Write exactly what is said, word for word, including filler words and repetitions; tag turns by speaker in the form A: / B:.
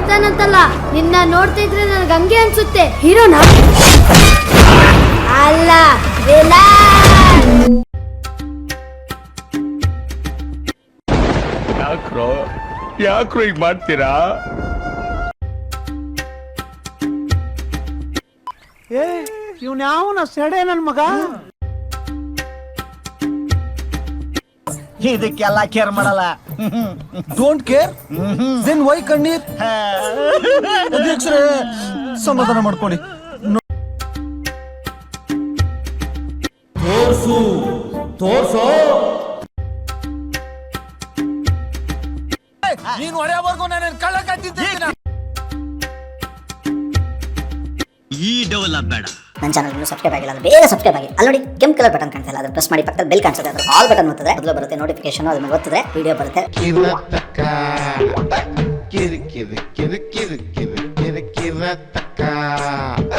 A: ಇರ್ತಾನಂತಲ್ಲ, ನಿನ್ನ ನೋಡ್ತಾ ಇದ್ರೆ ನನಗೆ ಹಂಗೆ ಅನ್ಸುತ್ತೆ. ಹೀರೋನಾ ಅಲ್ಲ, ವಿಲನ್.
B: ಯಾಕ್ರೋ ಯಾಕ್ರೋ ಈಗ ಮಾಡ್ತೀರಾ?
C: ಏ ಇವ್ನ ಯಾವನ ಸೆಡೆ ನನ್ ಮಗ.
D: ಇದಕ್ಕೆಲ್ಲ ಕೇರ್ ಮಾಡಲ್ಲ.
C: ಡೋಂಟ್ ಕೇರ್ ದೆನ್ ವೈ ಕಣ್ಣೀರ್? ಅಧ್ಯಕ್ಷರೇ ಸಮಾಧಾನ ಮಾಡ್ಕೊಳ್ಳಿ. ತೋರ್ಸು ತೋರ್ಸು. ನೀನು ಹೊಡೆಯವರೆಗೂ ನಾನು ಕಳ್ಳ ಕಟ್ಟಿದ್ದೀನಿ.
D: ಈ ಡೆವಲಪ್ ಬೇಡ.
E: ನನ್ನ ಚಾನಲ್ ಇನ್ನೂ ಸಬ್ಸ್ಕ್ರೈಬ್ ಆಗಿಲ್ಲ ಅಂದ್ರೆ ಬೇಗ ಸಬ್ಸ್ಕ್ರೈಬ್ ಆಗಿ. ಅಲ್ಲಿ ನೋಡಿ ಕೆಂಪು ಕಲರ್ ಬಟನ್ ಕಾಣ್ತಾ ಇಲ್ಲ, ಅದನ್ನ ಪ್ರೆಸ್ ಮಾಡಿ. ಪಕ್ಕದಲ್ಲಿ ಬೆಲ್ ಕಾಣಿಸುತ್ತೆ, ಅದರ ಆಲ್ ಬಟನ್ ಒತ್ತಿದ್ರೆ ಮೊದಲು ಬರುತ್ತೆ ನೋಟಿಫಿಕೇಶನ್. ಅದ್ರ ಮೇಲೆ ಒತ್ತಿದ್ರೆ ವಿಡಿಯೋ ಬರುತ್ತೆ.
B: ಕಿರಿ ಕಿರಿ ಕಿರಿ ಕಿರಿ ಕಿರಿ ಕಿರಿ ಕಿರಿ ಕಿರಿ